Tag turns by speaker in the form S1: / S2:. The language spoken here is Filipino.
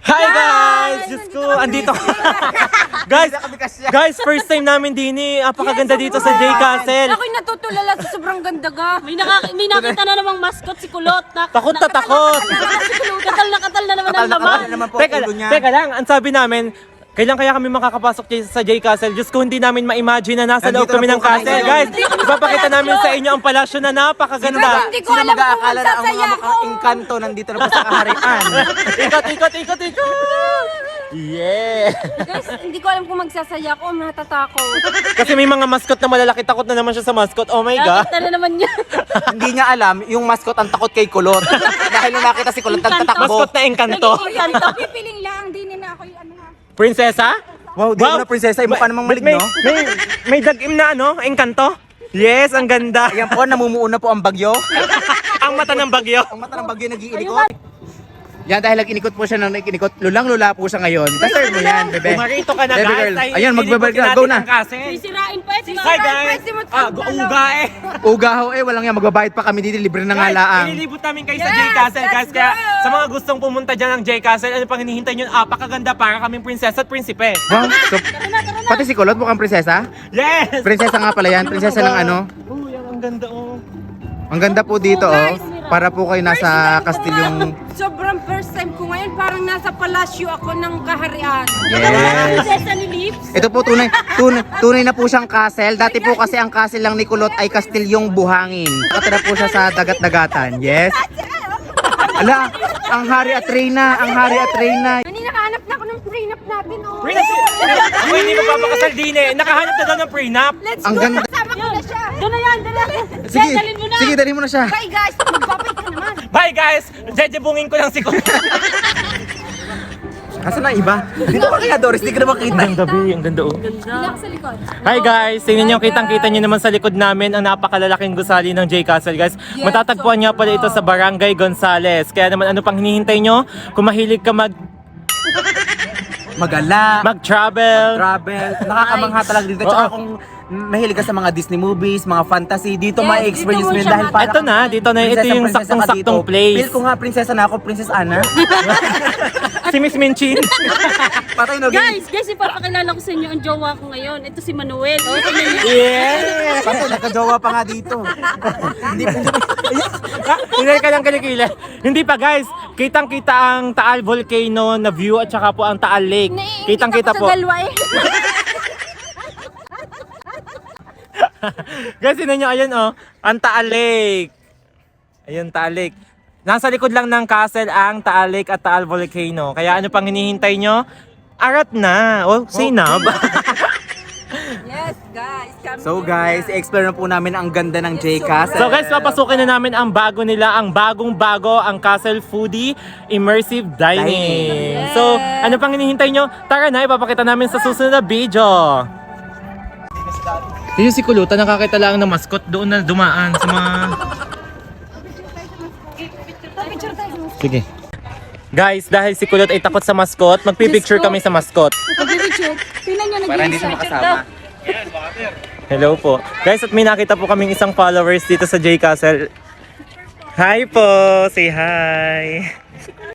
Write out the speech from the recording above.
S1: Hi guys! Diyos ko, andito guys, first time namin din eh. Apakaganda dito sa J Castle.
S2: Ako'y natutulala sa sobrang ganda ga.
S3: May nakita na namang mascot si Kulot.
S1: Takot na takot.
S3: Katal na naman ang laman.
S1: Teka lang, ang sabi namin, kailan kaya kami makakapasok sa J Castle? Diyos ko, hindi namin ma-imagine na nasa loob kami ng castle. Guys, ipapakita namin sa inyo ang palasyo na napakaganda.
S2: Hindi ko alam kung magsasaya ako.
S4: Ang engkanto nandito na po sa kaharian.
S1: Ikot. Yeah!
S2: Guys, hindi ko alam kung magsasaya ako o natatakot.
S1: Kasi may mga mascot na malalaki, takot na naman siya sa mascot. Oh my God!
S3: Nakita na naman niya.
S4: Hindi niya alam, yung mascot ang takot kay Kulot. Dahil nung nakita si Kulot, nagtatakbo.
S1: Mascot na engkanto.
S2: Pipiling lang, di na ako yung ano.
S1: Prinsesa?
S4: Wow, di mo na prinsesa, iba pa namang maligno.
S1: May dagim na ano, engkanto? Yes, ang ganda.
S4: Ayan po, namumuo na po ang bagyo.
S1: Ang mata ng bagyo.
S4: Ang mata ng bagyo nag-iinikot. Yan, dahil nag-inikot po siya ng nag-inikot, lulang-lula po siya ngayon. Deserve mo yan, bebe.
S1: Marito ka na
S4: Baby
S1: guys.
S4: girl. Ayun, magbabalik ka. Go na.
S3: Sisirain pa ito.
S1: Hi guys! Uga eh.
S4: Ugaho walang yan, magbabayad pa kami dito, libre na nga laang.
S1: Ililibot namin kayo sa J Castle guys. Kaya sa mga gustong pumunta dyan ng J Castle, ano pang hinihintay nyo? Apakaganda para kaming prinsesa at prinsipe.
S4: Wow, so, pati si Kulot mukhang prinsesa?
S1: Yes!
S4: Prinsesa nga pala yan, prinsesa ng ano.
S1: Oh, yan ang ganda oh.
S4: Ang ganda po dito, oh. Para po kayo nasa kastilyong...
S2: Sobrang first time ko ngayon, parang nasa palasyo ako ng kaharian.
S4: Yes.
S3: Prinsesa ni Lips.
S4: Ito po tunay na po siyang castle. Dati po kasi ang castle lang ni Kulot ay kastilyong buhangin. Nakatira po siya sa dagat-dagatan. Yes. Ala, ang hari at reyna,
S2: Nani, nakahanap na ako ng prenup natin, oh.
S1: Prenup? Ako hindi magpapakasal din eh. Nakahanap na daw ng prenup.
S2: Let's
S4: Ang
S2: go,
S4: ganda.
S2: kasama ko na siya.
S3: Doon na yan.
S4: Sige,
S3: dalhin mo na.
S4: sige, dalhin mo na siya.
S2: Bye guys, magbabay ka naman.
S1: Bye guys! Jejebungin ko lang si Kuya.
S4: Asan na iba? Dito ka kaya, Doris, di ka na makita.
S1: Ang gabi, ang ganda oh.
S2: Hindi ako sa likod.
S1: Hi guys! Tingnan nyo, kitang-kita nyo naman sa likod namin ang napakalalaking gusali ng J Castle guys. Matatagpuan nyo pala ito sa Barangay Gonzales. Kaya naman ano pang hinihintay nyo? Kung mahilig ka
S4: Magala,
S1: mag-travel.
S4: travel, nakakamangha talaga dito. Tsaka kung mahilig ka sa mga Disney movies, mga fantasy, dito
S2: Yes,
S4: ma-experience
S2: dito mo
S4: mo yun
S2: siya
S4: dahil para
S1: Ito na, dito na. Ito yung saktong-saktong place.
S4: Feel ko nga, prinsesa na ako, Princess Anna.
S1: Si Miss Minchin.
S4: Patay no,
S3: Guys, ipapakilala ko sa inyo ang jowa ko ngayon. Ito si Manuel. Oh, tingnan niyo.
S1: Yes!
S4: Patay, nagkajowa pa nga dito. Hindi
S1: Hindi ka lang kilikili. Hindi pa guys, kitang-kita ang Taal Volcano na view at saka po ang Taal Lake. Kitang-kita po.
S2: Sa galwa eh.
S1: Guys, yun nyo, ayun oh, ang Taal Lake. Ayun, Taal Lake. Nasa likod lang ng castle ang Taal Lake at Taal Volcano. Kaya ano pang hinihintay nyo? Arat na. Oh, say na.
S2: Yes guys, come
S4: So
S2: here
S4: guys,
S2: na.
S4: i-explore na po namin ang ganda ng J Castle.
S1: So guys, papasukin na namin ang bago nila, ang bagong-bago, ang Castle Foodie Immersive Dining.
S4: Dining.
S1: So, ano pang hinihintay nyo? Tara na, ipapakita namin sa susunod na video. Yun si Kulutan, nakakita lang ng mascot doon na dumaan sa mga... Sige. Guys, dahil si Kulot ay takot sa mascot, magpipicture kami sa mascot.
S2: Mag-picture. Tingnan nyo,
S4: Para hindi siya makasama.
S1: Hello po. Guys, at may nakita po kaming isang followers dito sa J Castle. Hi po! Say hi!